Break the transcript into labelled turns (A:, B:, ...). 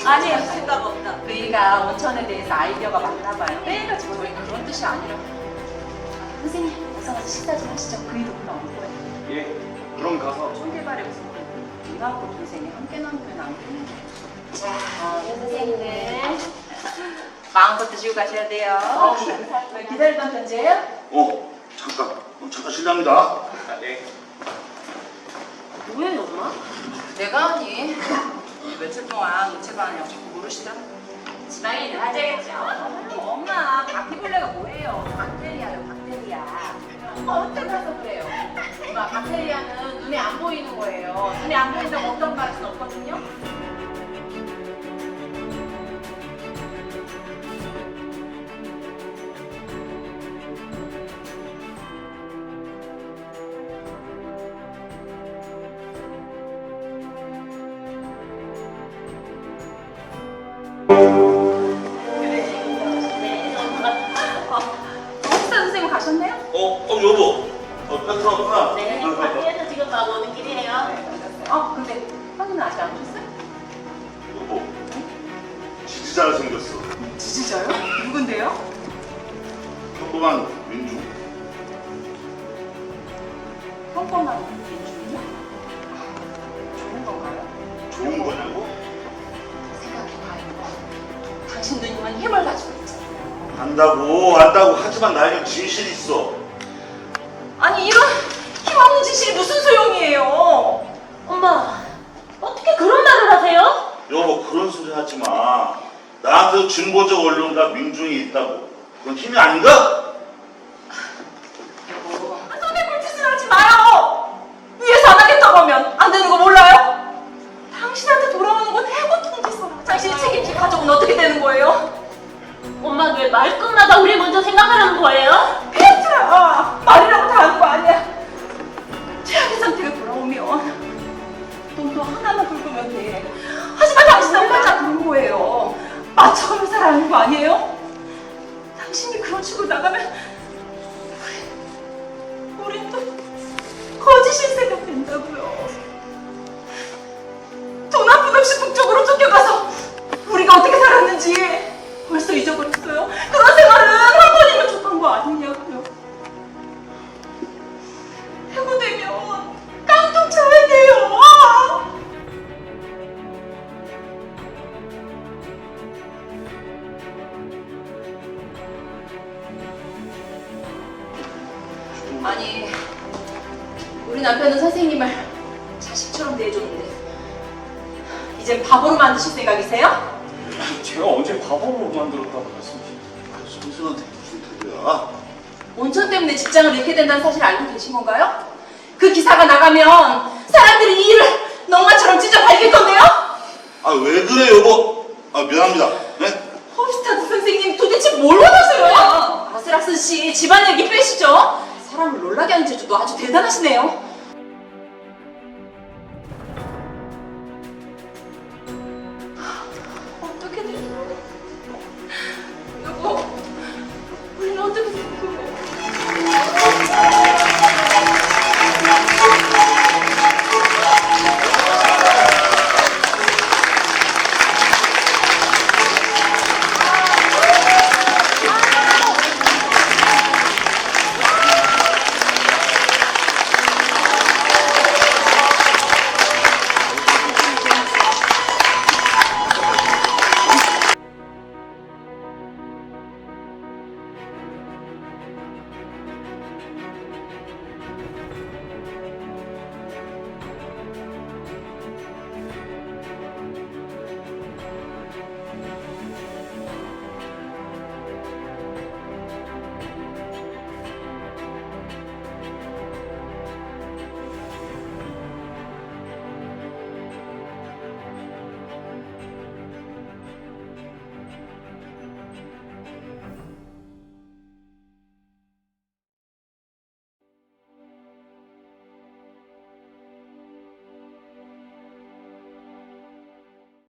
A: 아니에요. 생각 없다.
B: 그이가 온천에 대해서 아이디어가 많나 봐요. 빼가지고 저희는 그런 뜻이 아니라. 선생님, 어서 가서 식사 좀 하시죠. 그이도 금방 올 거예요.
C: 예, 그럼 가서.
B: 총개발의 우선 누나하고 동생이 함께 나누면 안 되는 거예요. 자, 선생님들 마음껏 드시고 가셔야 돼요. 기다리던 편지예요?
D: 잠깐 실례합니다.
C: 네.
A: 뭐예요, 엄마?
B: 내가 하니 며칠 동안 우체관이라고 자꾸 모르시더라고. 지방에 있는 화재겠죠. 엄마, 바퀴벌레가 뭐예요? 박테리아요, 박테리아. 어떻게 가서 그래요? 엄마, 박테리아는 눈에 안 보이는 거예요. 눈에 안 보인다고 어떤 말할 수는 없거든요. 혹시 선생님 가셨네요?
D: 여보. 페트로구나.
A: 네, 밖에서 지금 막 오는 길이에요.
B: 근데 형님은 아직 안 오셨어요?
D: 여보. 지지자가 생겼어.
B: 지지자요? 누군데요?
D: 평범한 민중.
B: 평범한 민주주의요? 좋은 건가요?
D: 좋은 거냐고?
B: 생각해봐요. 당신 누님은 힘을 가지고 있잖아요.
D: 안다고 하지만 나에겐 진실이 있어.
B: 아니 이런 힘없는 진실이 무슨 소용이에요?
A: 엄마, 어떻게 그런 말을 하세요?
D: 여보, 그런 소리 하지 마. 나한테도 진보적 언론과 민중이 있다고. 그건 힘이 아닌가?
B: 여보, 손에 불짓을 하지 마요. 위에서 안 하겠다고 하면 안 되는 거 몰라요? 당신한테 돌아오는 건 해고 통지서라. 당신이 책임질 가족은 어떻게 되는 거예요?
A: 엄마 왜 말끝마다 우리 먼저 생각하라는 거예요?
B: 페트라, 말이라고 다 하는 거 아니야. 최악의 상태가 돌아오면 돈도 하나만 긁으면 돼. 하지만 당신은 활짝 긁은 거예요. 맞춰가며 살아야 하는 거 아니에요? 당신이 그런 식으로 나가면 우린 또 거짓 신세가 된다고요. 돈 한 푼 없이 북쪽으로 쫓겨가서 우리가 어떻게 살았는지 벌써 잊어버렸어요. 그런 생활은 한 번이면 족한 거 아니냐고요. 해고되면 깡통 쳐야 돼요. 아니, 우리 남편은 선생님을 자식처럼 대해줬는데 이젠 바보로 만드실 생각이세요?
C: 제가 언제 바보로 만들었다고 말씀하시죠?
D: 선생한테 무슨 소리야?
B: 온천 때문에 직장을 잃게 된다는 사실 알고 계신 건가요? 그 기사가 나가면 사람들이 이 일을 넝마처럼 찢어 밝힐 건데요?
D: 왜 그래, 여보? 미안합니다. 네?
B: 홉스타드 선생님 도대체 뭘 원하세요? 아슬락슨 씨 집안 얘기 빼시죠? 사람을 놀라게 하는 재주도 아주 대단하시네요.